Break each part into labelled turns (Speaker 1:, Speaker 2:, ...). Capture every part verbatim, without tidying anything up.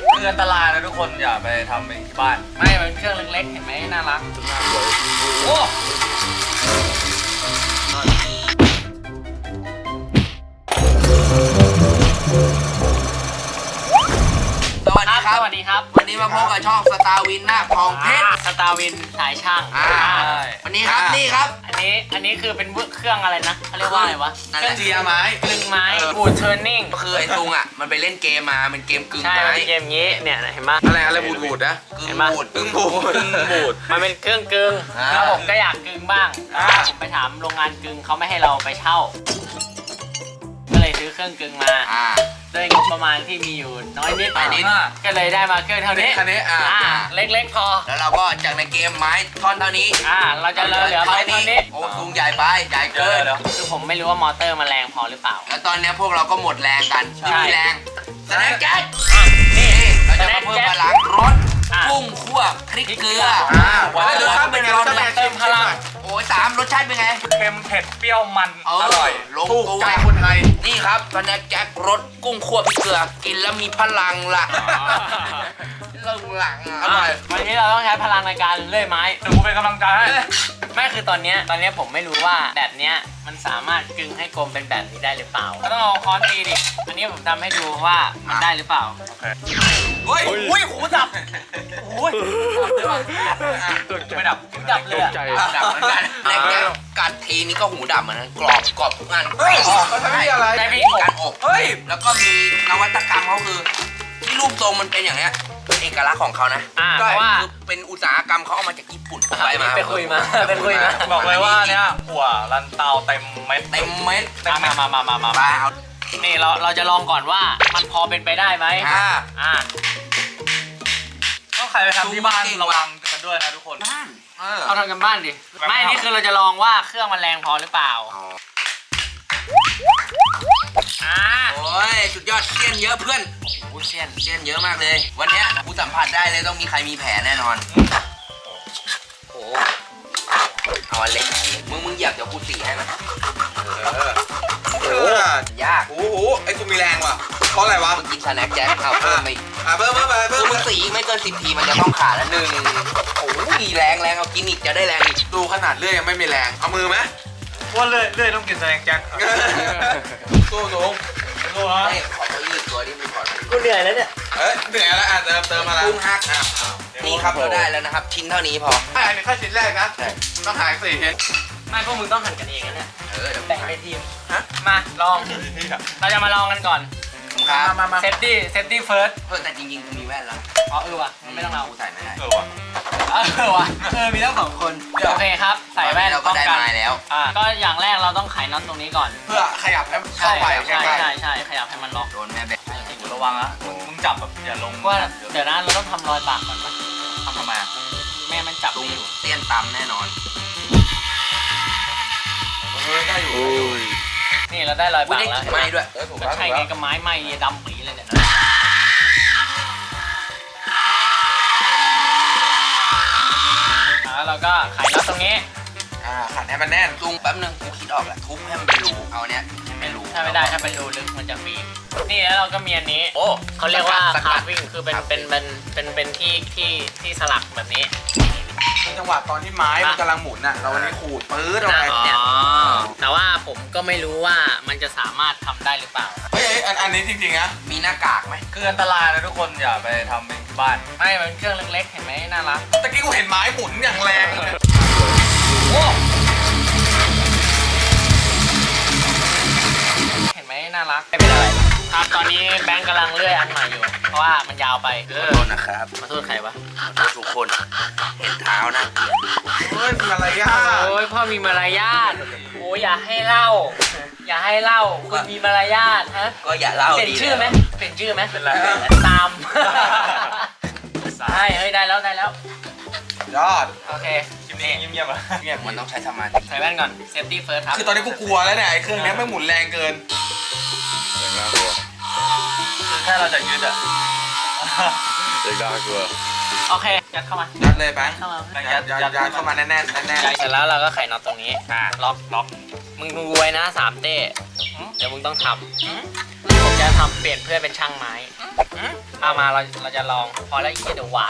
Speaker 1: คืออันตรายนะทุกคนอย่าไปทำเองที่บ้านไม่มันเครื่องเล็กๆเห็นไหมน่ารักโอ้
Speaker 2: สวัสดีครับ
Speaker 1: สวัสดีครับ
Speaker 2: วันนี้มาพบกับช่องสตาร์วินหน้าทองเพชร
Speaker 1: สตาร์วินสายช่าง
Speaker 2: อ่าวันนี้ครับนี่ครับ
Speaker 1: อันนี้อันนี้คือเป็นเครื่องอะไรนะเขาเรียกว่าอะไรวะ
Speaker 2: นั่น
Speaker 1: เค
Speaker 2: แห
Speaker 1: รื่
Speaker 2: ละ
Speaker 1: องเจียไม้กลึงไม้บูทเทอร์นิ่ง
Speaker 2: ก็คือไอ้ตุงอ่ะมันไปเล่นเกมมาเป็นเกมกึ่ง
Speaker 1: ใช่
Speaker 2: ไม้
Speaker 1: เป็นเกมงี้เนี่ยเห็นไหม
Speaker 3: อะไรอะไรบูดบูดนะ
Speaker 2: กึ่
Speaker 1: เห็
Speaker 2: ง
Speaker 1: นปะ
Speaker 2: บูด
Speaker 3: กึ่งบูดกึ่งบูด
Speaker 1: มันเป็นเครื่องกึ่ง
Speaker 2: อ่า
Speaker 1: แล้วผมก็อยากกึ่งบ้างผมไปถามโรงงานกึ่งเขาไม่ให้เราไปเช่า ก็เลยซื้อเครื่องกึ่งมา
Speaker 2: อ่า
Speaker 1: ด้วยงบประมาณที่มีอยู่น้อยนิด
Speaker 2: น้อยนิด
Speaker 1: ก็เลยได้มาเครื่องเท่านี้
Speaker 3: คันนี้อ่า
Speaker 1: อ่าเล็กๆพอ
Speaker 2: แล้วเราก็จากในเกมไม้ท่อนเท่านี้
Speaker 1: อ่าเราจะเหลือเหลือ
Speaker 2: ท่
Speaker 1: ไป
Speaker 2: อน
Speaker 1: เท่า
Speaker 2: นี้
Speaker 1: นี้
Speaker 2: โอ้ตุงใหญ่ไปใหญ่เกิน
Speaker 1: คือผมไม่รู้ว่ามอเตอร์มันแรงพอหรือเปล่า
Speaker 2: แล้วตอนเนี้ยพวกเราก็หมดแรงกัน
Speaker 1: ใช่
Speaker 2: ไม่มีแรงแสดงแก๊ส
Speaker 1: อ่ะนี่
Speaker 2: เราจะมาเพิ่มพลังรส
Speaker 1: อ่ะ
Speaker 2: กุ้งคั่วพริกเกลือ
Speaker 3: อ่า
Speaker 2: ว้าว
Speaker 3: รสชาติเป็นไงรสชาติเป็นไง
Speaker 1: เติมพลัง
Speaker 2: โอ้ยสามรสชาติเป็นไง
Speaker 1: เค็มเผ็ดเปรี้ยวมัน
Speaker 2: เออ
Speaker 1: อร่อย
Speaker 2: ลง
Speaker 3: ถูก
Speaker 2: ตัว
Speaker 3: ใจคนไทย
Speaker 2: นี่ครับสแน็คแจ็ครสกุ้งคั่วพริกเกลือกินแล้วมีพลังล่ะเรื่องหลังอ่ะ
Speaker 3: อร่อย
Speaker 1: วันนี้เราต้องใช้พลังในการเลื่อยไม้เดี๋ยวกูเป็นกำลังใจให้ไม่คือตอนเนี้ยตอนเนี้ยผมไม่รู้ว่าแบบเนี้ยมันสามารถกึงให้กลมเป็นแบบนี้ได้หรือเปล่าก็ต้องเอาค้อนตีดิอันนี้ผมทำให้ดูว่ามันได้หรือเปล่า
Speaker 2: เฮ้ย
Speaker 1: อุ้ยหูดับโอ้ยไม่ดับหูดับเลยอะ
Speaker 2: ดับเหมือนกันแน็คแจ็คกัดทีนี้ก็หูดับเหมือนกันกรอบกรอบทุกอัน
Speaker 3: เฮ้ยเขาทำที่อะไร
Speaker 1: ได้พี่
Speaker 2: การอบ
Speaker 3: เฮ้ย
Speaker 2: แล้วก็มีนวัตกรรมเขาคือที่รูปทรงมันเป็นอย่างเงี้ยเป็นเอกลักษณ์ของเขานะ
Speaker 1: อ่าเพราะว่า
Speaker 2: คือเป็นอุตสาหกรรมเขาเอามาจากญี่ปุ่นไปมา
Speaker 1: ไปคุยมาไปคุยมา
Speaker 4: บอกเลยว่าเนี่ยหัวลันเตาเต็มเม็ด
Speaker 2: เต็มเม็ด
Speaker 1: มามามามามา
Speaker 2: มาเอา
Speaker 1: นี่เราเราจะลองก่อนว่ามันพอเป็นไปได้ไหม
Speaker 2: อ่า
Speaker 1: อ่า
Speaker 4: ต้องใครไปทำที่บ้านระวังกันด้วยนะทุกคน
Speaker 2: บ้าน
Speaker 3: เออ
Speaker 1: เอาทำกันบ้านดิไม่นี่คือเราจะลองว่าเครื่องมันแรงพอหรือเปล่า
Speaker 2: อ๋อ
Speaker 1: อ่า
Speaker 2: โอ้ยสุดยอดเซียนเยอะเพื่อน
Speaker 1: โอ้เซียน
Speaker 2: เซียนเยอะมากเลย วันเนี้ยกูสัมผัสได้เลยต้องมีใครมีแผลแน่นอนโอ้โหเอาอันเล็กมึงมึงเหยียบเดี๋ยวกูสีให้มัน
Speaker 3: เออย
Speaker 2: าก
Speaker 3: โอ้โหไอ้กูมีแรงว่ะเพราะอะไรวะ
Speaker 2: มึงกินสแน็คแจ็คเอาเพิ่มไปอีก
Speaker 3: อ่ะเพิ่มเพิ่มไป
Speaker 2: คื
Speaker 3: เพิ่
Speaker 2: อ
Speaker 3: ม
Speaker 2: มึงสีไม่เกินสิบทีมันจะต้องขาดละหนึ่งโอ้ยแรงแรงเอากินอีกจะได้แรงอีก
Speaker 3: ดูขนาดเลื่อยยังไม่มีแรงเอามือไหม
Speaker 4: ว่าเลื่อยเลื่อยต้องกินแสดงแจ็ค
Speaker 3: สู้สูง
Speaker 4: รู้ฮะ
Speaker 2: ให้ขอตัวยืดตัวนี้มึงก่อน
Speaker 1: กูเหนื่อยแล้วเนี่ย
Speaker 3: เอ้ยเหนื่อยแล้วอ่ะเติมเติมมาแล้ว
Speaker 2: กุ้งฮักอ่ะนี่ครับเราได้แล้วนะครับ ชิ้นเท่านี้พอ
Speaker 3: อันนี้แค่ชิ้นแรกนะต้องหายสี่ชิ้น
Speaker 1: ไม่พวกมึงต้องหั่นกันเองนะเนี่ย
Speaker 2: เออเดี๋ยว
Speaker 1: แบ่งเป็นทีมมาลองเราจะมาลองกันก่อน
Speaker 2: ครับ
Speaker 3: มามา
Speaker 1: เซฟตี้เซฟตี้เฟิร์ส
Speaker 2: เพิ่มแต่จริงๆกูมีแว่นแล้ว
Speaker 1: อ๋อเออว่ะมันไม่ต้องเอา
Speaker 2: กูใส่ไม่ได้
Speaker 4: เออว่ะ
Speaker 1: เออว่ะเออมีทั้งสองคนโอเคครับใส่แว่น
Speaker 2: เราก็
Speaker 1: ป้อง
Speaker 2: ได้
Speaker 1: กัน
Speaker 2: ไม้แล้ว
Speaker 1: อ่าก็อย่างแรกเราต้องไขน็อตตรงนี้ก่อน
Speaker 3: เพื่อขยับให้
Speaker 1: ใช่
Speaker 3: เข้าไป
Speaker 1: ใช่
Speaker 3: ใช่
Speaker 1: ใช่ใช่ขยับให้มันล็อก
Speaker 2: โดนแม่แบก
Speaker 4: ระวังนะมึงจับแบบอย่าลง
Speaker 1: ว่าเดี๋ยวนะเราต้องทำรอยปากก่อนปะ
Speaker 4: ทำทำไมอ่ะ
Speaker 1: แม่มันจับ
Speaker 2: ตุ้
Speaker 1: ไม่
Speaker 2: ง
Speaker 1: อยู่
Speaker 2: เตี้ยนตำแน่นอน
Speaker 3: เออได้อยู่
Speaker 1: นี่เราได้รอย
Speaker 2: อุ้ย
Speaker 1: ปาก
Speaker 2: ได้
Speaker 1: แล้ว
Speaker 2: กลิ่นไม้ด้วย
Speaker 3: เออถูก
Speaker 1: ก็
Speaker 3: แล้ว
Speaker 1: ใช่
Speaker 3: ถูก
Speaker 1: ไง
Speaker 3: แล้ว
Speaker 1: ก็ไม้ไหม้ดำปีเลยเนี่ยแล้วเราก็ไขน็อตตรงนี้
Speaker 3: อ่าขันให้มันแน่น
Speaker 2: ตุ้งแป๊บนึงกูคิดออกแล้วทุบให้มันเป็นรูเอาเนี้ยเป็นรู
Speaker 1: ถ้าไม่ได้ถ้าเป็นรูลึกมันจะฟรีนี่แล้วเราก็มีอันนี้
Speaker 2: โอ้
Speaker 1: เขาเรียกว่า
Speaker 2: ส
Speaker 1: คา
Speaker 2: กัด
Speaker 1: ร์วิ่งคือเป็นเป็นเป็นเป็นเป็นที่ที่ที่สลักแบบนี้
Speaker 3: จังหวะตอนที่ไม้มันกำลังหมุนน่ะเราวันนี้ขูดปื๊ดเอาไป
Speaker 1: อ๋อแต่ว่าผมก็ไม่รู้ว่ามันจะสามารถทำได้หรือเปล่า
Speaker 3: เฮ้ยอันอันนี้จริงๆนะ
Speaker 2: มีหน้ากากไหม
Speaker 4: คืออันตรายนะทุกคนอย่าไปทำเองที่บ้าน
Speaker 1: ไม่มันเครื่องเล็กๆเห็นไหมน่ารัก
Speaker 3: ตะกี้กูเห็นไม้หมุนอย่างแรงเลย
Speaker 1: โอ้เห็นไหมน่ารักไม่เป็นอะไรครับตอนนี้แบงค์กำลังเลื่อยอันใหม่อยู่ เพราะว่ามันยาวไปเอ
Speaker 2: ขอ
Speaker 1: อ
Speaker 2: โทษนะครับ
Speaker 1: มาโทษใครวะ
Speaker 2: ขอโทษทุกคน เห็นเท้านะ
Speaker 3: เฮ้ยมีอะไรย่า
Speaker 1: โอ้ยพ่อมีมารยาทโอ้ยอย่าให้เล่า อย่าให้เล่าคุณมีมารยาทฮะ
Speaker 2: ก็อย่าเล่า
Speaker 1: เปลี่ยน
Speaker 2: ดี
Speaker 1: ชื่อไหม
Speaker 2: แล้ว
Speaker 1: เปลี่ยนชื่อไหม
Speaker 4: เป็นไร
Speaker 1: ตามใช่เฮ้ยได้แล้วได้แล้ว
Speaker 3: ยอด
Speaker 1: โอเค
Speaker 4: คลิปนี้เงียบๆอ่ะ
Speaker 3: เงียบ
Speaker 2: มันต้องใช้สมาธิ
Speaker 1: ใส่แว่นก่อนเซฟตี้เฟิร์สครับ
Speaker 3: คือตอนนี้กูกลัวแล้วเนี่ยไอ้เครื่องนี้ไม่หมุนแรงเกิน
Speaker 4: คือแค่เราจะยืดอ่ะ
Speaker 1: โอเคยัดเข้ามา
Speaker 3: ยัดเลยแบงค์
Speaker 1: เข้ามา
Speaker 3: ยัดยัดยัดเข้ามาแน่นๆแน่น
Speaker 1: ยัดเสร็จแล้วเราก็ไขน็อตตรงนี้อ่าล็อกล็อกมึงดูไว้นะสามเต้เดี๋ยวมึงต้องทำผมจะทำเปลี่ยนเพื่อนเป็นช่างไม้เอามาเราเราจะลองพอแล้วอีกเดี๋ยวหวาน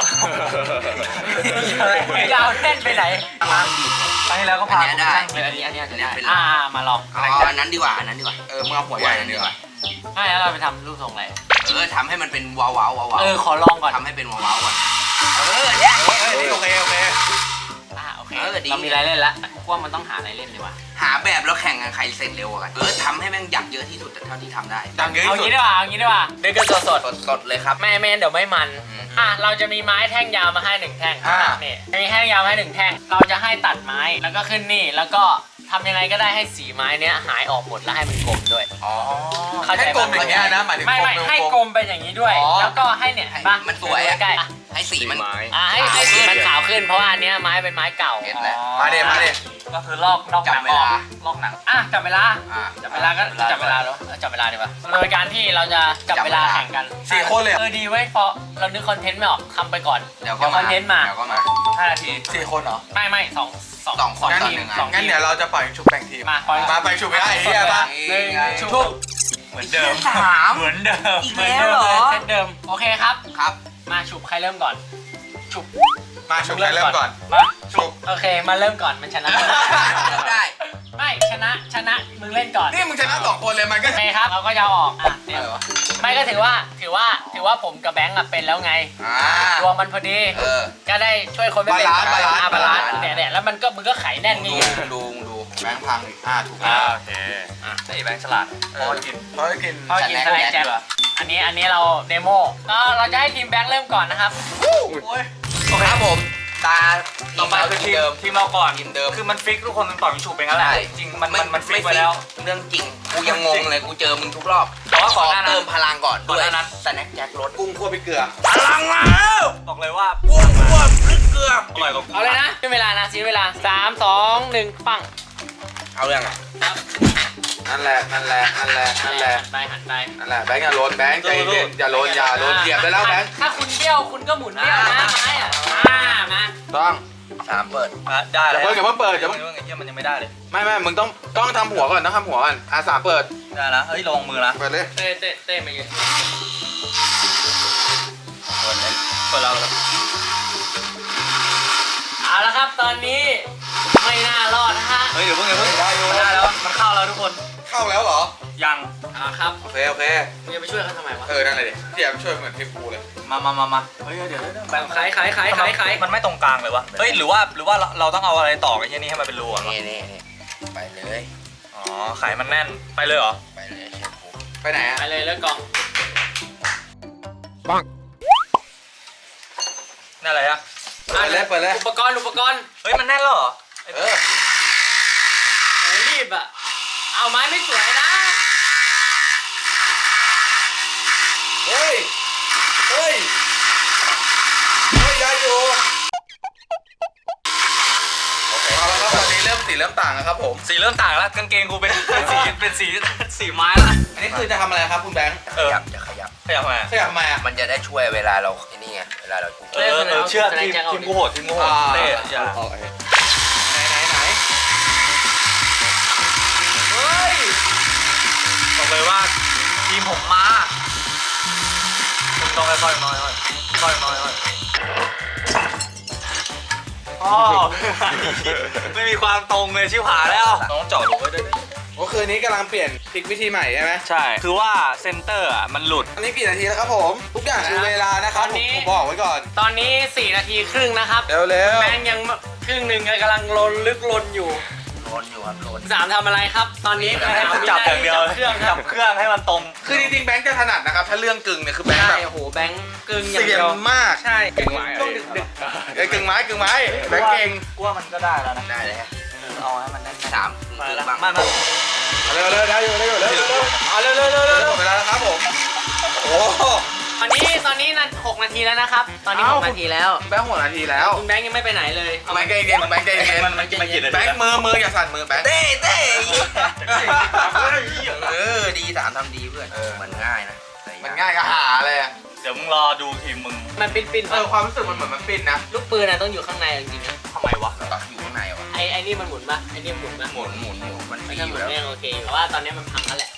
Speaker 1: ยาวแน่นไปไหน
Speaker 4: ร้านครั้งที่แล้วก็พา
Speaker 2: อันเนี้ยได้
Speaker 1: อันนี้อันนี้อันนี้
Speaker 2: อันเนี้ยเป็น
Speaker 1: อ่ามาลอง
Speaker 2: เอาอันนั้นดีกว่าอันนั้นดีกว่า
Speaker 3: เออมึงเอาหัวใหญ่ดีกว่า
Speaker 1: ไม่แล้วเราไปทำรูปทรงอะไร
Speaker 2: เออทำให้มันเป็นว้าวว้าวว้าว
Speaker 1: เออขอลองก่อน
Speaker 2: ทำให้เป็นว้าวว้าวก่อนเออเนี่ย
Speaker 3: เฮ้ยนี่โอเคโอเค
Speaker 1: อ่าโอเค
Speaker 2: เออดี
Speaker 1: เรามีอะไรเล่นแล้วกูว่ามันต้องหาอะไรเล่นดีกว่า
Speaker 2: หาแบบแล้วแข่งกันใครเสร็จเร็วกว่ากันเออทำให้แม่งอยากเยอะที่สุดเท่าที่ทำได้
Speaker 3: ดังเยอะ
Speaker 1: เอา
Speaker 3: ที่สุ
Speaker 1: งี้
Speaker 3: ด
Speaker 1: ดีกว่าเอางี้ดีกว่าเด็กกันสดสด
Speaker 2: สดสดเลยครับ
Speaker 1: ๆไม่ไม่งั้นเดี๋ยวไม่มัน
Speaker 2: อืม
Speaker 1: อ่ะเราจะมีไม้แท่งยาวมาให้หนึ่งแท่ง
Speaker 3: อ่า
Speaker 1: นี่จะมีแท่งยาวมาให้หนึ่งแท่งเราจะให้ตัดไม้แล้วก็ขึ้นนี่แล้วก็ทำยังไงก็ได้ให้สีไม้เนี้ยหายออกหมดแล้วให้มันกลมด้วย
Speaker 3: อ๋อ
Speaker 1: เข้าใจ
Speaker 3: ให้กลมอย่างเงี้ยนะหมายถึง
Speaker 1: ไม่ไม่
Speaker 3: กล
Speaker 1: ให้กลมเป็นอย่างนี้ด้วย
Speaker 3: อ๋อ
Speaker 1: แล้วก็ให้เนี่ยเห็นปะ
Speaker 2: มันสวยอะ
Speaker 1: ใกล้ๆอ่ะ
Speaker 2: ให้สีมัน
Speaker 1: อ่ะให้ให้สีมันขาวขึ้นเพราะว่าอันเนี้ยไม้เป็นไม้เก่า
Speaker 2: เห็นแล้ว
Speaker 3: มาเดมาเด
Speaker 4: ก็คือลอกนอกหนังออกลอกหนัง
Speaker 1: อ่ะจับเวลา
Speaker 2: อ่า
Speaker 1: จับเวลาก็จับเวลาแล้วเออจับเวลาดีกว่าโดยการที่เราจะจับเวลาแข่งกัน
Speaker 3: สี่คนเลย
Speaker 1: เออดีไว้ยเพราะเรานึกคอนเทนต์ไม่ออกทำไปก่อน
Speaker 2: เดี๋ยวก็
Speaker 1: ค
Speaker 2: มา
Speaker 1: อนเทนต์มา
Speaker 2: เดี๋ยวก็มา
Speaker 4: ห้านาที
Speaker 3: สี่คนเหรอ
Speaker 1: ไม่ไม่สองสอง
Speaker 2: สองคน
Speaker 3: งั้น
Speaker 2: ต่อหนึ่งอะ
Speaker 1: สอง
Speaker 3: งั้น
Speaker 1: ทีม
Speaker 3: เดี๋ยวเราจะปล่อยชุบแบ่งทีม
Speaker 1: มาปล่อย
Speaker 3: มาไปชุบไม่ได้ไอ้เหี้ยป่ะ
Speaker 1: หนึ่ง
Speaker 2: ชุ
Speaker 1: ชุ
Speaker 2: บ
Speaker 1: บ
Speaker 4: เหมือนเดิม
Speaker 2: สาม
Speaker 4: เหมือนเดิม
Speaker 2: อีกแล้วเหรอ
Speaker 1: เซตเดิมโอเคครับ
Speaker 2: ครับ
Speaker 1: มาฉุบใครเริ่มก่อนฉุบ
Speaker 3: มาชุบใครเริ่มก่อน
Speaker 1: มา
Speaker 3: ชุบ
Speaker 1: โอเคมาเริ่มก่อนมันชนะ
Speaker 2: ได้
Speaker 1: ไม่ชนะชนะมึงเล่นก่อน
Speaker 3: นี่มึงชนะสองคนเลยมันก็
Speaker 1: โอเคครับเราก็จะเอาออกอ่ะเนี่ย
Speaker 3: อะไรวะ
Speaker 1: ไม่ก็ถือว่าถือว่าถือว่าผมกับแบงค์อะเป็นแล้วไง
Speaker 2: อ่า
Speaker 1: รวมมันพอดี
Speaker 2: เออ
Speaker 1: ก็ได้ช่วยคนไม่เป็น
Speaker 3: บาลานซ์บาลานซ์
Speaker 1: อ่บาลานซ์
Speaker 2: บาลานซ์
Speaker 1: เนี่ยเนี่ยแล้วมันก็มึงก็ไขแน่น
Speaker 2: ดู
Speaker 1: นี่ไง
Speaker 2: ดูดู
Speaker 3: แบงค์พังอีกอ่าถูก
Speaker 4: อ่า
Speaker 3: แล้ว
Speaker 4: โอเคอ่ะนี่แบงค์ฉลาดพอกิน
Speaker 3: เพราะกิน
Speaker 1: เขากินสแน็คแจ็คอันนี้อันนี้เราเดโมก็เราจะให้ทีมแบงค์เริ่มก่อนนะครับ
Speaker 4: โอ้ย
Speaker 2: โอเคครับผม ตา
Speaker 4: ต่อไปคือทีมทีมเราก่อน
Speaker 2: ทีมเดิม
Speaker 4: คือมันฟิกทุกคนมันต่อยิงฉุบไปงั้นแหละ
Speaker 2: ใช่
Speaker 4: จริงมันมันมันฟิกไปแล้ว
Speaker 2: เรื่องจริง กูยังงงเลย กูเจอมึงทุกรอบ
Speaker 4: แต่ว่า
Speaker 2: ข
Speaker 4: ก่
Speaker 2: อ
Speaker 4: อนหน้านั้น
Speaker 2: เติมพลังก่อน
Speaker 4: ก่อน
Speaker 2: ด้วย
Speaker 4: หน้านั้น
Speaker 2: สแน็คแจ็ครส
Speaker 3: กุ้งคั่วพริกเกลือ
Speaker 2: พลังมาแล้ว
Speaker 4: บอกเลยว่า
Speaker 2: กุ้งคั่วพริกเกลือ
Speaker 4: อร่อยกว่ากู
Speaker 1: เอาเลยนะเป็นเวลานะซีเวลาสามสองหนึ่งปัง
Speaker 2: เอาเรื่องอ่ะ
Speaker 3: นั่นแหละนั่นแหละนั่นแหละนั่นแหละ
Speaker 1: หันไปหันไป
Speaker 3: นั่นแหละแบงค์อย่าโลนแบงค์ใจเย็นอย่าโลนอย่าโลนเหยียบไปแล้วแบงค์
Speaker 1: ถ้าคุณเบี้ยวคุณก็หมุนเบี้ยวนะไม้อ่ะอ่ามา
Speaker 3: ต้อง
Speaker 2: สามเปิด
Speaker 4: อ่ะได้แล้ว
Speaker 3: อย่าเพิ่งอย่าเพิ่งเปิดอย่า
Speaker 4: เพิ่
Speaker 3: เพิ่
Speaker 4: ง
Speaker 3: ง
Speaker 4: ไอ้เหี้ยมันยังไม่ได้เลย
Speaker 3: ไม่ไม่มึงต้องต้องทำหัวก่อนต้องทำหัวก่อนอาสามเปิด
Speaker 4: ได้แล้วเฮ้ยลงมือนะ
Speaker 3: เปิดเลย
Speaker 1: เต้เต้เต้มายืน
Speaker 2: เปิดเลย
Speaker 4: เปิดเราแล้ว
Speaker 1: เอาละครับตอนนี้ไม่น่ารอดนะฮะ
Speaker 4: เฮ้ยเดี๋ยวเพิ่งเดี๋ยวเพิ่งมันได้แล้วมันเข้าแล้วทุกคน
Speaker 3: เข้าแล้วเหรอ
Speaker 4: ยัง
Speaker 1: เอาละครับ
Speaker 3: โอเคโอเค
Speaker 1: มึงจะไปช่วยเขาทำไมวะ
Speaker 3: เออนั่นเลยดิที่อยากช่วยเหมือนทีมกูเลย
Speaker 4: มามามามาเฮ้ยเดี๋ยวเดี๋ยวเดี๋ยวแบงค์
Speaker 1: ขายขายขายขายขาย
Speaker 4: มันไม่ตรงกลางเลยวะเฮ้ยหรือว่าหรือว่าเราเราต้องเอาอะไรต่อไอ้เหี้ยนี่ให้มันเป็นรูก่อนวะ
Speaker 2: นี่นี่นี่ไปเลย
Speaker 4: อ๋อไขมันแน่นไปเลยเหรอ
Speaker 2: ไปเลยเชฟผม
Speaker 3: ไปไหนอ่ะ
Speaker 1: ไปเลยเลิกกล่อง
Speaker 4: นั่นอะไรอะ
Speaker 3: เปิดเลยเปิดเลย
Speaker 1: อุปกรณ์อุปกรณ์
Speaker 4: เฮ้ยมันแน่นแล้วเหรอ
Speaker 3: เออ
Speaker 1: โอ้รีบอ่ะเอาไม้ไม่สวยนะ
Speaker 3: เฮ้ยเฮ้ยเฮ้ยได้อยู่โอเคเอาละครับตอนนี้เริ่มสีเริ่มต่างแล้วครับผม
Speaker 4: สีเริ่มต่างแล้วกางเกงกูเป็นเป็นสีเป็นสีสีไม้ละ
Speaker 3: อันนี้คือจะทำอะไรครับคุณแบงค์
Speaker 2: ขยับจะขยับ
Speaker 4: ขยับมา
Speaker 3: ขยับทำไมอ่ะ
Speaker 2: มันจะได้ช่วยเวลาเราไอ้นี่ไงเวลาเรา
Speaker 4: เออเออเชื่อทีมทีมกูโหดทีมกูโหดเต้อย่า
Speaker 3: โอเคไหนไหนไหน
Speaker 4: เฮ้ยบอกเลยว่าทีมผมมาคุณต้องค่อยๆน้อยๆค่อยๆน้อยๆอ๋อไม่มีความตรงเลยชิบหายแล้วน้องเจาะรูไว้ด้วย
Speaker 3: โอ้คืนนี้กำลังเปลี่ยนพลิกวิธีใหม่ใช่ไหม
Speaker 4: ใช่คือว่าเซนเตอร์อ่ะมันหลุด
Speaker 3: อันนี้กี่นาทีแล้วครับผม ทุกอย่างคือเวลานะครับผมผมบอกไว้ก่อน
Speaker 1: ตอนนี้สี่นาทีครึ่งนะครับ
Speaker 3: เร็วเร็ว
Speaker 1: แบงค์ยังครึ่งหนึ่งกำลังลนลึกลนอยู่
Speaker 2: โลนอยู่ครับโลน
Speaker 1: สามทำอะไรครับ ตอนนี้
Speaker 4: จับอย่างเดียว
Speaker 1: จับเครื่องค
Speaker 4: จั
Speaker 1: รับบ
Speaker 4: เครื่องให้มันตรง
Speaker 3: คือจริงๆแบงค์จะถนัดนะครับ ถ้าเรื่องกึ่งเนี่ยคือแบงค์
Speaker 1: ใช่
Speaker 3: แบบ
Speaker 1: โอ้โหแบงค์กึ่งอย่าง
Speaker 3: เสีย
Speaker 1: เดียว
Speaker 3: มาก
Speaker 1: ใช่
Speaker 3: กึ่งไม้
Speaker 1: ต้องดึกดึก
Speaker 3: เอ้ยกึ่งไม้กึ่งไม้แบงค์เก่ง
Speaker 4: กูว่ามันก็ได้แล้วนะ
Speaker 2: ได้เลยฮะ
Speaker 4: เอาให้มันได้
Speaker 2: สาม
Speaker 4: มา
Speaker 2: คือ
Speaker 4: แล้ว
Speaker 2: บ้าง
Speaker 4: มามา
Speaker 3: เร็วเร็วได้อยู่ได้อยู่เร็วเร็วเร็ว
Speaker 1: เอาเร็วเร็วเร็ว
Speaker 3: เร็
Speaker 1: เร็
Speaker 3: ว
Speaker 1: ว
Speaker 3: หมดเวลาแล้วครับผมโอ้โห
Speaker 1: ตอนนี้ตอนนี้นะหกนาทีแล้วนะครับ ตอนนี้หกนาทีแล้ว
Speaker 3: แบงค์หกนาทีแล้ว
Speaker 1: คุณแบงค์ยังไม่ไปไหนเลย
Speaker 3: แบงค์ใจเย็นแบงค์ใจเย็น
Speaker 4: มันมันมันกี่นาที
Speaker 3: แบงค์มือมืออย่าสั่นมือแบงค์
Speaker 2: เต้เต้
Speaker 3: เอ
Speaker 2: เอ
Speaker 3: อ
Speaker 2: อดีสามทำดีเพื่อน
Speaker 3: เออ
Speaker 2: มันง่ายนะแต่
Speaker 3: มันง่ายก็หาเลยอะ
Speaker 4: เดี๋ยวมึงรอดูทีมมึง
Speaker 1: มันปินปิน
Speaker 3: เออความรู้สึกมันเหมือนมันปินนะ
Speaker 1: ลูกปืนนะต้องอยู่ข้างในจริงๆนะ
Speaker 4: ทำไมวะ
Speaker 2: ตักอยู่ข้างในวะ
Speaker 1: ไอ้ไอ้นี่มันหมุนปะไอ้นี่หมุนปะ
Speaker 2: หมุนหมุนหมุนมัน
Speaker 1: ไม่
Speaker 2: มี
Speaker 1: ใช่
Speaker 2: อ
Speaker 1: หมุ
Speaker 2: ยู่
Speaker 1: น
Speaker 2: แล้ว
Speaker 1: ไม่โอเคแต่ว่าตอนนี้มันพังแล้วแหละ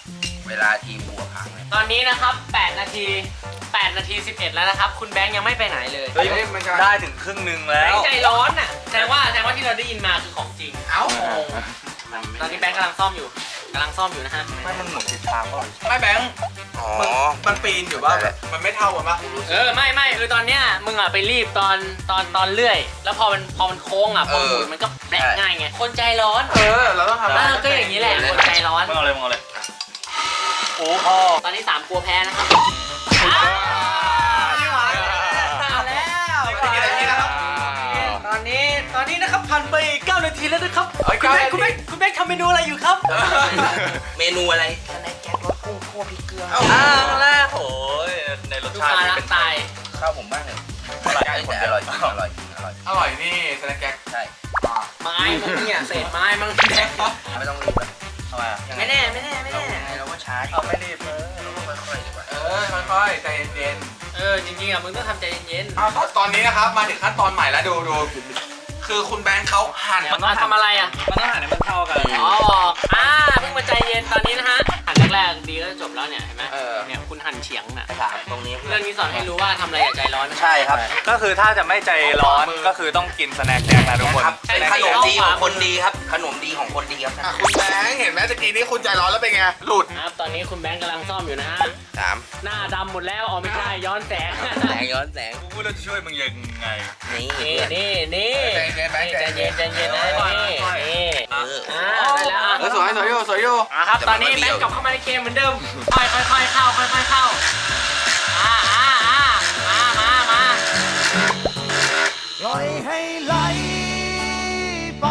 Speaker 2: เวลาทีมบัวพังเลย
Speaker 1: ตอนนี้นะครับแปดนาทีแปดนาทีสิบเอ็ดแล้วนะครับคุณแบงค์ยังไม่ไปไหนเลย
Speaker 4: เฮ้ยได้ถึงครึ่งหนึงแล้
Speaker 1: แบง
Speaker 4: ว
Speaker 1: ค์ใจร้อนอ่ะแสดงว่าแสดงว่าที่เราได้ยินมาคือของจริง
Speaker 2: เอ้า
Speaker 1: ตอนนี้แบงค์กำลังซ่อมอยู่กำลังซ่อมอยู่นะฮะ
Speaker 4: ไม่มันหมุนทิศทางก่อน
Speaker 3: ไม่แบงค์
Speaker 2: อ๋อ
Speaker 3: มันมันปีนอยู่ว่าแบบมันไม่เท่ากันปะ
Speaker 1: เออไม่ไม่คือตอนเนี้ยมึงอ่ะไปรีบตอนตอนตอนเลื่อย แล้วพอมันพอมันโค้งอ่ะพอหมุนมันก็แบกง่ายไงคนใจร้อน
Speaker 3: เออเราต้องทำ
Speaker 1: เออก็อย่างนี้แหละคนใจร้อน
Speaker 4: มึงเอาเลยมึงเอาเลยโอ้พ่อ
Speaker 1: ตอนนี้สามกลัวแพ้นะครับอ้าวไม่ไหวเอาแล้ว
Speaker 3: ไม่ได้กินอะไรนี่นะครับ
Speaker 1: ตอนนี้ตอนนี้นะครับผ่านไปเก้านาทีแล้วนะครับ
Speaker 3: เอ้ย
Speaker 1: คุณแม่
Speaker 3: เก้านาที
Speaker 1: คุณแม่คุณแม่ทำเมนูอะไรอยู่ครับ
Speaker 2: เมนูอะไรสแน็คแจ็ครสกุ้งคั่วพริกเกลือ
Speaker 3: เอ้า
Speaker 4: อ้าวแล้วโอ้ยในรส
Speaker 1: ลูก
Speaker 4: ชาติ
Speaker 1: ค้า
Speaker 4: ที่
Speaker 1: รั
Speaker 4: เป็
Speaker 1: ก
Speaker 4: น
Speaker 1: ตาย
Speaker 2: ข้าวผมบ้างเลย
Speaker 4: อร่อย
Speaker 2: แต่อร่อยจริงอร่อยจริงอร่อย
Speaker 3: อร่อยนี่สแน็คแก๊ก
Speaker 2: ใช่
Speaker 1: ไม้มึงเนี่ยเศษไม้มึง
Speaker 2: ไม่ต้องรีบอะ
Speaker 4: ทำไมอ่ะ
Speaker 1: ไม่แน่ไม่แน่ไม่แน่
Speaker 2: ยังไงเราก็ช้าดิ
Speaker 4: เอาไม่รีบเออ
Speaker 2: เราก็ค่อยๆดีกว่า
Speaker 3: เออค่อยๆใจเย็น
Speaker 1: เออจริงๆอ่ะมึงต้องทำใจเย็น
Speaker 3: ๆเอาตอนนี้นะครับมาถึงขั้นตอนใหม่แล้วดูดูคือคุณแบงค์เขาหั่น
Speaker 1: ๆมาทำอะไรอ่ะ
Speaker 4: มันต้องหั่นให้มันเท่ากัน
Speaker 1: อ๋ออ่าเพิ่งมาใจเย็นตอนนี้นะฮะหันแรกๆดีก็จบแล้วเนี่ยเห็นไหมเนี่ยคุณหันเฉียงน่ะ
Speaker 2: ถามตรงนี้
Speaker 1: เรื่องนี้สอนให้รู้ว่าทำอะไรอย่าใจร้อนนะ
Speaker 2: ใช่ครับ
Speaker 4: ก็คือถ้าจะไม่ใจร้อนก็คือต้องกินสแน็คแจ็คนะทุกคน
Speaker 2: ครับเป็นขนมดีของคนดีครับ ขนมดีของคนดีครับ
Speaker 3: อ่ะคุณแบงค์เห็นไหมตะกี้นี้คุณใจร้อนแล้วเป็นไงหลุด
Speaker 1: ครับตอนนี้คุณแบงค์กำลังซ่อมอยู่นะฮะ
Speaker 2: สาม
Speaker 1: หน้าดำหมดแล้วอ๋อไม่ใช่ย้อนแสง
Speaker 2: แสงย้อนแสง
Speaker 4: กูพูดแล้วจะช่วยมึงยังไง
Speaker 2: นี่
Speaker 1: นี่นี่นี่
Speaker 3: ใจเย็นแบงค์
Speaker 1: ใจเย็นใจเย็นนะนี่นี่
Speaker 2: เออ
Speaker 1: อ่าได้แล้วอ่ะ
Speaker 3: เออสวยสวยอยู่สวยอยู่
Speaker 1: อ่ะครับตอนนี้แบงค์กลับเข้ามาในเกมเหมือนเดิมค่อยค่อยค่อยเข้าค่อยค่อยเข้าอ่าอ่าอ่ามามามา
Speaker 5: ปล่อยให้ไหลไป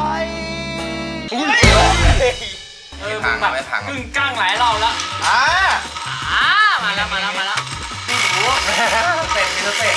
Speaker 1: เออมึงแบบกึ่งกลางหลายรอบแล้ว
Speaker 3: อ่า
Speaker 1: อ่ามาแล้วมาแล้วมาแล้ว
Speaker 3: เสร็จมีสเต็ป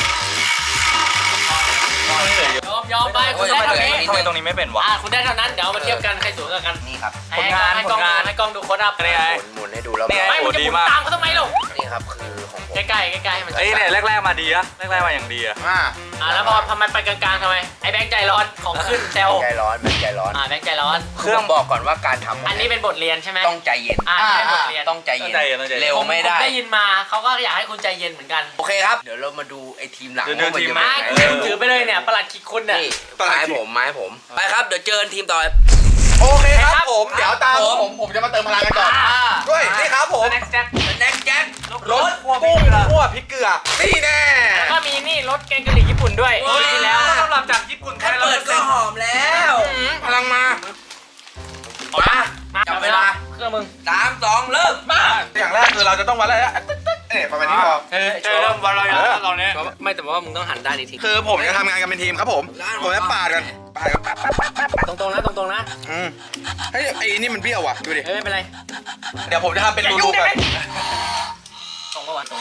Speaker 1: ยอมยอมไปคุณได้เท่านี้
Speaker 4: ทำไมตรงนี้ไม่เป็นวะ
Speaker 1: อ่าคุณได้เท่านั้นเดี๋ยวเอามาเทียบกันใครสูงกว่ากัน
Speaker 2: นี่ครับ
Speaker 1: ให้กล้องให้กล้องให้กล้องดูโค้ดอัพ
Speaker 4: นี่ไง
Speaker 2: หมุนหมุนให้ดูแล้ว
Speaker 4: นี่ไง
Speaker 1: ไม่มึงจะหมุนตามเขาทำไมลูก
Speaker 2: นี่ครับคือของผม
Speaker 1: ใกล้ใกล้ใกล้ใกล้ให้มัน
Speaker 4: เอ้ยเนี่ยแรกๆมาดีอะแรกๆมาอย่างดีอะ
Speaker 3: อ่า
Speaker 1: อ่าแล้วพอทำไมไปกลางๆทำไมไอ้แบงค์ใจร้อนของขึ้นแซว
Speaker 2: ใจร้อนมันใจร้อน
Speaker 1: อ่าแบงค์ใจร้อน
Speaker 2: เครื่องบอกก่อนว่าการทำ
Speaker 1: อันนี้เป็นบทเรียนใช่ไหม
Speaker 2: ต้องใจเย็น
Speaker 1: อ่านี่เป็นบทเรียน
Speaker 2: ต้องใจเย็น
Speaker 4: ต้องใจเย็นต้องใจเย็น
Speaker 2: เร็วไม่ได้
Speaker 1: ผได้ยินมาเขาก็อยากให้คุณใจเย็นเหมือนกัน
Speaker 2: โอเคครับ เดี๋ยวเรามาดูไอ้ทีมหลัง
Speaker 4: เดี๋ยวดู
Speaker 2: ว่ามัน
Speaker 4: ทีม
Speaker 2: จะ
Speaker 1: มา
Speaker 2: เป็นยังไง
Speaker 1: คุณถือไปเลยเนี่ยประหลัดคิกคุณเนี่ย
Speaker 2: นี่ไม้ผมไม้ผม ไปครับ เดี๋ยวเจอทีมต่อไป
Speaker 3: โอเคค
Speaker 1: ครั
Speaker 3: รับบ ผมเดี๋ยวตาม
Speaker 2: ผม
Speaker 3: ผมผมจะมาเติมพลังกันก่อน
Speaker 1: อ่า
Speaker 3: ด้วยนี่ครับผม
Speaker 1: แน็กแจ็ค
Speaker 2: สแน็คแจ็ค
Speaker 3: รสกุ้งคั่วพริกเกลือนี่แน่
Speaker 1: แล้วก็มีนี่รสแกงกะหรี่ญี่ปุ่นด้วยปีที่แล้ว
Speaker 4: สำหรับจากญี่ปุ่น
Speaker 2: แค่เปิดก็หอมแล้ว
Speaker 3: พลังมา
Speaker 2: มาจับเวลา
Speaker 1: เครื่องมึง
Speaker 2: สามสองเริ่มมา
Speaker 3: อย่างแรกคือเราจะต้องวัดอะไรนะเนี่ยประมาณนี้พอ
Speaker 1: เออ
Speaker 4: เจอเริ่มวันเราอย่างตอนนี้
Speaker 1: ไม่แต่ว่ามึงต้องหันด้านอีกที
Speaker 3: คือผมจะทำงานกันเป็นทีมครับผม ผมจะปาดกันปาดกันปาดปาดปาดปาดปาด
Speaker 1: ตรงๆนะตรงๆนะ
Speaker 3: อืมเฮ้ยไอ้นี่มันเบี้ยวว่ะดูดิ
Speaker 1: เอ้ยไม่เป็นไร
Speaker 3: เดี๋ยวผมจะทำเป็นรูๆกัน
Speaker 1: ตรงก็ว่าตรง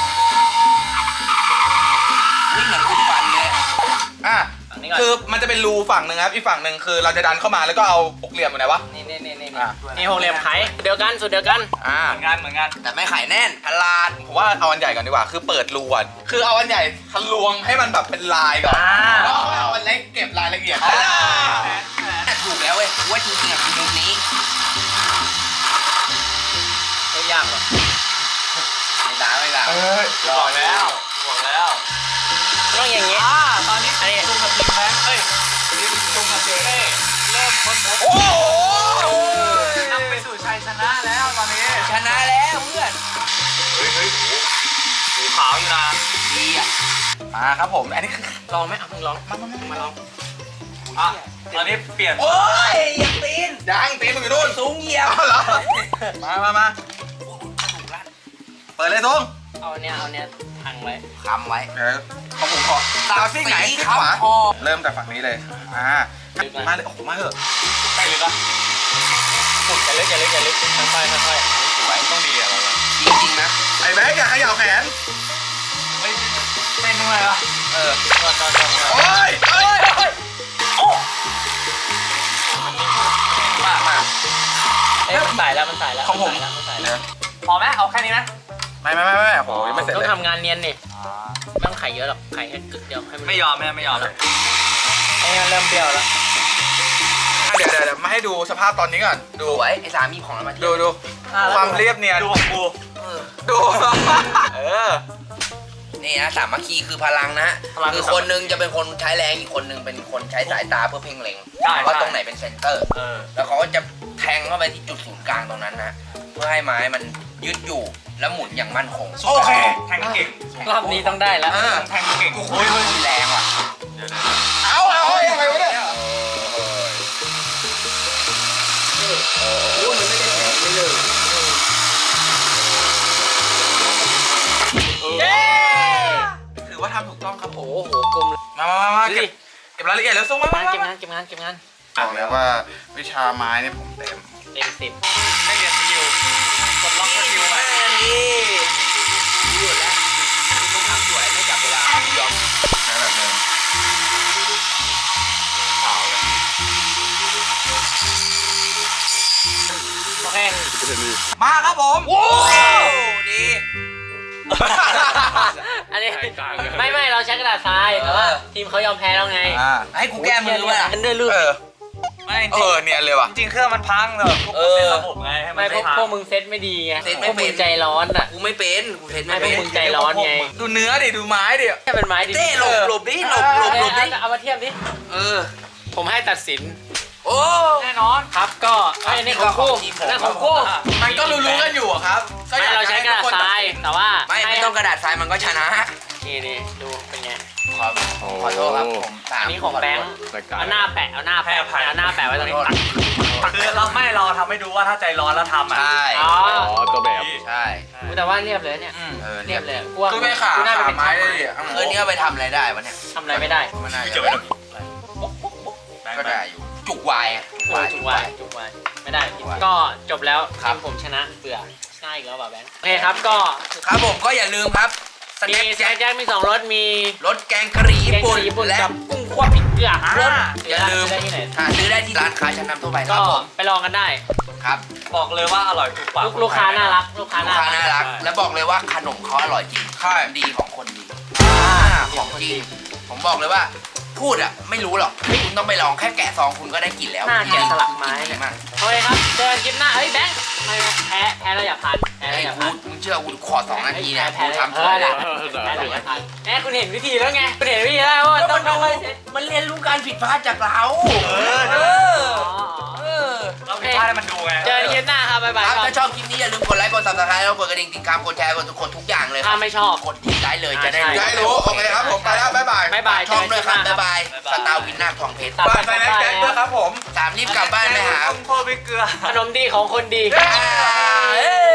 Speaker 2: วิ่งเหมือนคุณฟันเลย
Speaker 3: อ่ะ
Speaker 1: ฝั่งนี้ก่อน
Speaker 3: คือมันจะเป็นรูฝั่งหนึ่งครับอีกฝั่งหนึ่งคือเราจะดันเข้ามาแล้วก็เอาหกเหลี่ยมอยู่ไหนวะ
Speaker 1: นี่นี่นี่นี่
Speaker 3: อ่ะ
Speaker 1: นี่หกเหลี่ยมไขเดียวกันสุดเดียวกัน
Speaker 3: อ่า
Speaker 4: เหมือนกันเหมือนกัน
Speaker 2: แต่ไม่ไข่แน่นพลาด
Speaker 3: ผมว่าเอาอันใหญ่ก่อนดีกว่า คือเปิดรูก่อนคือเอาอันใหญ่ทะลวงให้มันแบบเป็นลายก่อน
Speaker 1: อ่า
Speaker 3: แล้วค่อยเอาอันเล็กเก็บรายละเอียด
Speaker 2: อ่า
Speaker 3: อ่า
Speaker 2: แต่ถูกแล้วเว้ยว่าจริงๆอะคือมุมนี้
Speaker 1: ไม่ยากหรอก
Speaker 2: ไม่ด่าไม่ด่า
Speaker 3: เอ้ย
Speaker 4: บอกแล้วบอกแล้ว
Speaker 1: ต้องอย่างงี้
Speaker 4: อ่าตอนนี้
Speaker 1: อันนี้
Speaker 4: จุงกับทีมแบงค์เอ้ยทีมจุงกับเจเอ้เริ่มพ้นพ้น
Speaker 3: โอ้โห
Speaker 4: นำไปสู่ชัยชนะแล้วตอนนี้
Speaker 2: ชนะแล้วเพื่อน
Speaker 4: เฮ้ยเฮ้ยหูหูขาวอยู่นะ
Speaker 2: ดีอ่ะ
Speaker 3: มาครับผมอันนี้คือ
Speaker 1: ลองไหมเอามึงลองมามามาลอง
Speaker 4: อ่ะตอนนี้เปลี่ยน
Speaker 2: โอ้ยอย่าตีน
Speaker 3: ยังตีมึงอยู่นู่น
Speaker 2: สูงเหยียบ
Speaker 3: เอาเหรอมามามาเปิดเลยทง
Speaker 1: เอาเนี้ยเอาเนี้ยทังไว้
Speaker 2: คำไว้
Speaker 3: เดี๋ยวของผมขอตามซีกไหนซีกขวา
Speaker 2: คอ
Speaker 3: เริ่มจากฝั่งนี้เลยอ่ามาเลยโอ้โหมาเถอะ
Speaker 4: ไปเลยปะ
Speaker 1: ฝุ่นจะลึกจะลึกจะลึกค่อยๆค่อย
Speaker 4: สวยต้องดีอะเราอะ
Speaker 2: จริงๆนะ
Speaker 3: ไอ้แบ๊กอย่าเขย่าแขน
Speaker 4: เฮ้ยเต้นด้วยวะ
Speaker 3: เออ
Speaker 1: ๆก่อนก่อนก่อน
Speaker 3: โอ้ยเอ้ย
Speaker 4: มากมาก
Speaker 1: เอ้ยมันใส่แล้วมันใส่แล้ว
Speaker 3: ของผม
Speaker 1: นใส่แล้วมันใส่แล้ว
Speaker 4: พอไหมเอาแค่นี้นะ
Speaker 3: ไม่ไม่ไม่ไม่โอ้โหยังไม่เสร็จ
Speaker 1: ต้อ
Speaker 3: เลย
Speaker 1: งทำงานเนียนนี่ไม่ต้องไข่เยอะหรอกไข่แค่กึกเดียวให้มัน
Speaker 4: ไม่ยอมไม่ไม่ยอมเลย
Speaker 1: ให้มันเริ่มเปรี้ยวแล้ว
Speaker 3: อ่ะเดี๋ยวเดี๋ยวเดี๋ยวมาให้ดูสภาพตอนนี้ก่อนดู
Speaker 2: สวยไอ้สามีของเรามาเที่
Speaker 3: ดู
Speaker 2: ยว
Speaker 3: ดู
Speaker 4: ความเรียบเนียนดูของกู
Speaker 2: เออ
Speaker 4: ดูเออ
Speaker 2: นี่นะสามัคคีคือพลังนะ
Speaker 4: พลัง
Speaker 2: คือคนหนึงจะเป็นคนใช้แรงอีกคนหนึงเป็นคนใช้สายตาเพื่อเพ่งเล็ง
Speaker 4: ใช่
Speaker 2: ว่า
Speaker 4: ใช่
Speaker 2: ตรงไหนเป็นเซนเตอร์
Speaker 4: เออ
Speaker 2: แล้วเขาก็จะแทงเข้าไปที่จุดศูนย์กลางตรงนั้นนะเพื่อให้ไม้มันยึดอยู่แล้วหมุนอย่างมั่นคง
Speaker 4: โอเคแทงเก่ง
Speaker 1: รอบนี้ต้องได้แล้ว
Speaker 2: เออ
Speaker 4: แทงเก่ง
Speaker 2: โอ้ยเฮ้ยแรงว่ะ
Speaker 3: เอาเอาเอายังไงวะเนี่ย
Speaker 2: โอ้ยมันไม่ได้แทงไม่เลย
Speaker 1: เย้
Speaker 4: ถือว่าทำถูกต้องครับผม
Speaker 1: โอ้โหกลมเลย
Speaker 4: มามามามา
Speaker 1: ดู
Speaker 4: เก็
Speaker 1: ดิ
Speaker 4: บเก็บรายละเอียดแล้วส่งมา
Speaker 1: เก็บ
Speaker 4: มาง
Speaker 1: านเก็บ
Speaker 4: มาง
Speaker 1: านเก็บงานเก็บงาน
Speaker 3: บอกเลยว่าวิชาไม้เนี่ยผมเต็ม
Speaker 1: เต็มสิบ
Speaker 4: ได้เรียนสกิลกดล็อกสกิลใหม่
Speaker 2: นี่หยุดแล้วคุณต้องทำสวยไม่จับเวลายอม
Speaker 3: ใช้แบบเดิมขาวเลย
Speaker 1: โอเค
Speaker 4: มาครับผม
Speaker 2: โอ้ดี
Speaker 1: อันนี้ไม่ไม่เราใช้กระดาษทรายแต่ว่า
Speaker 2: เออ
Speaker 1: ทีมเขายอมแพ้แล้วไง
Speaker 4: อ่า
Speaker 2: ให้กูแก้มือวะล่ะ
Speaker 1: กันด้วยลื่น
Speaker 4: เออไม่เออเนียนเลยว่ะจริงเครื่องมันพังเลยพวก
Speaker 2: เอ
Speaker 4: กู
Speaker 2: อ
Speaker 4: เซ็นระบบไงให้มัน
Speaker 1: ไม่พวก
Speaker 4: พัง
Speaker 1: พวกมึงเซตไม่ดีไง
Speaker 2: เซ็ตไม่
Speaker 1: พวก
Speaker 2: เป็
Speaker 1: มึ
Speaker 2: น
Speaker 1: งใจร้อนอ่ะ
Speaker 2: กูไม่เป็นกูเทสไม่
Speaker 1: ไม่
Speaker 2: เป็
Speaker 1: พวก
Speaker 2: น
Speaker 1: มึงใจร้อนไง
Speaker 4: ดูเนื้อดิดูไม้ดิ
Speaker 1: แค่เป็นไม้ดิ
Speaker 2: เต้หลบหลบดิหลบหลบหลบดิ
Speaker 1: เอาเอามาเทียบดิ
Speaker 2: เออ
Speaker 1: ผมให้ตัดสิน
Speaker 2: โอ้
Speaker 4: แน่นอน
Speaker 1: ครับก็ไอ้ยนี่ของกู
Speaker 2: ของทีมผม
Speaker 1: นั่นของกู
Speaker 4: มันก็รู้ๆกันอยู่อะครับก็อ
Speaker 1: ไม่
Speaker 4: ยาก
Speaker 1: เราใช้กระดาษทรายแต่ว่า
Speaker 2: ไม่ไม่ต้องกระดาษทรายมันก็ชนะ
Speaker 1: นี่นี่ดูเป็นไง
Speaker 2: ขอขอโทษครับผมสาม
Speaker 1: อันนี้ของแบงค์เอาหน้าแปะเอาหน้าแปะเอาหน้าแปะไว้ตรงนี้ตัก
Speaker 4: คือเราไม่เราทำให้ดูว่าถ้าใจร้อนแล้วทำอ่ะ
Speaker 2: ใช่
Speaker 1: อ๋อ
Speaker 3: ตัวแบบ
Speaker 2: ใช่
Speaker 1: อุ๊ยแต่ว่าเรียบเลยเนี่ย
Speaker 4: อืม
Speaker 2: เออ
Speaker 1: เรี
Speaker 2: เรี
Speaker 1: ย
Speaker 2: ย
Speaker 1: บบ เลย
Speaker 2: เลย
Speaker 1: กูว่า
Speaker 3: คือไม่ขา
Speaker 1: กูน่าจะ
Speaker 3: ขา
Speaker 1: เป็น
Speaker 3: ไม้
Speaker 1: ช่าง
Speaker 3: ได้ดิอ่ะ
Speaker 2: คืนนี้เอาไปทำอะไรได้วะเนี่ย
Speaker 1: ทำอะไรไม่ได้
Speaker 2: มันน่า
Speaker 4: ไม่
Speaker 2: จะ
Speaker 4: เกี่ยวกับ
Speaker 2: ก็ได้อยู่จุกวายอะ
Speaker 1: เออจุกวายจุกวายไม่ได้ผิดก็จบแล้วทีมผมชนะเบื่อชนะอีกแล้วป่ะแบงค์โอเคครับก็
Speaker 2: ครับผมก็อย่าลืมครับส
Speaker 1: มี
Speaker 2: แน็ค
Speaker 1: แจ็
Speaker 2: แจ็
Speaker 1: ค
Speaker 2: ค
Speaker 1: แจ็คมีสองรสมี
Speaker 2: รสแกงกะหรี่
Speaker 1: แก
Speaker 2: ญี่
Speaker 1: ง
Speaker 2: ปุ่น
Speaker 1: กะหรี่ญี่ปุ่น
Speaker 2: และ
Speaker 1: กับกุ้งคั่วพริกเกลือ
Speaker 2: รสอย่าลืม
Speaker 1: ได้ที่ไหน
Speaker 2: หาซื้อได้ที่ร้านค้าชั้นนำทั่วไปค
Speaker 1: ก็
Speaker 2: รับผม
Speaker 1: ไปลองกันได้
Speaker 2: ครับ
Speaker 4: บอกเลยว่าอร่อยถูกปาก
Speaker 1: ลูกลูกค้าน่ารักลูกค้า
Speaker 2: ลูก
Speaker 1: น่า
Speaker 2: ค้า
Speaker 1: รัก
Speaker 2: น่ารัก และบอกเลยว่าขนมเขาอร่อยจริง
Speaker 3: ใช่
Speaker 2: ดีของคนดีของจริงผมบอกเลยว่าพูดอะไม่รู้หรอกคุณต้องไปลองแค่แกะซองคุณก็ได้กินแล้ว
Speaker 1: หน้าแกะสลักไม้
Speaker 2: จริ
Speaker 1: เนี่
Speaker 2: ง
Speaker 1: ย
Speaker 2: มาก
Speaker 1: โอเคครับเจอกันคลิปหน้าเฮ้ยแบงค์ไม่แพ้แพ้เราอย่าพันแพ้เรา
Speaker 2: ไอ้
Speaker 1: อย่า
Speaker 2: กู
Speaker 1: พัน
Speaker 2: มึงเชื่อกูขอสองนาทีเนี่ย
Speaker 1: แพ้
Speaker 2: กู
Speaker 1: แพ้
Speaker 2: ทำ
Speaker 1: เอ
Speaker 2: สว
Speaker 1: อย
Speaker 2: เล
Speaker 1: ได้
Speaker 2: ย
Speaker 1: แพ้เราอย่าพันแพ้คุณเห็นวิธีแล้วไงคุณเห็นวิธีแล้วว่าต้องต้อง
Speaker 2: มันเรียนรู้การผิดพลาดจากเรา
Speaker 4: เออ
Speaker 2: เออ
Speaker 1: อ๋อ
Speaker 2: เออ
Speaker 4: เราผิดพลาดให้มันดูไง
Speaker 1: เจอกันคลิปหน้าครับบ๊ายบาย
Speaker 2: ครับ
Speaker 1: ครับ
Speaker 2: ถ้าชอบคลิปนี้อย่าลืมกดไลค์กดซับสไครต์แล้วกดกระดิ่งติดตามกดแชร์กดกดทุกอย่างเลยค
Speaker 1: ถ้า
Speaker 2: รับ
Speaker 1: ไม่ชอบ
Speaker 2: กดติดได้เลยจะได้
Speaker 1: ใช่
Speaker 3: อย่าให้รู้โอเคครับผมไปแล้วบ๊ายบาย
Speaker 1: บ๊ายบาย
Speaker 2: ช่องด้วยครับ
Speaker 1: เจอกัน
Speaker 2: บ๊าย
Speaker 1: คลิปหน้
Speaker 2: บายสตาร์วินนาคทองเพชร
Speaker 1: ฝาก
Speaker 4: ฝากไปแม็กแจ็คด้วยครับผม
Speaker 2: สามรีบกลับบ้านไปหา
Speaker 4: ต้องโทษไปเกลือ
Speaker 1: ขนมดีของคนดี
Speaker 2: อ่าเอ้ย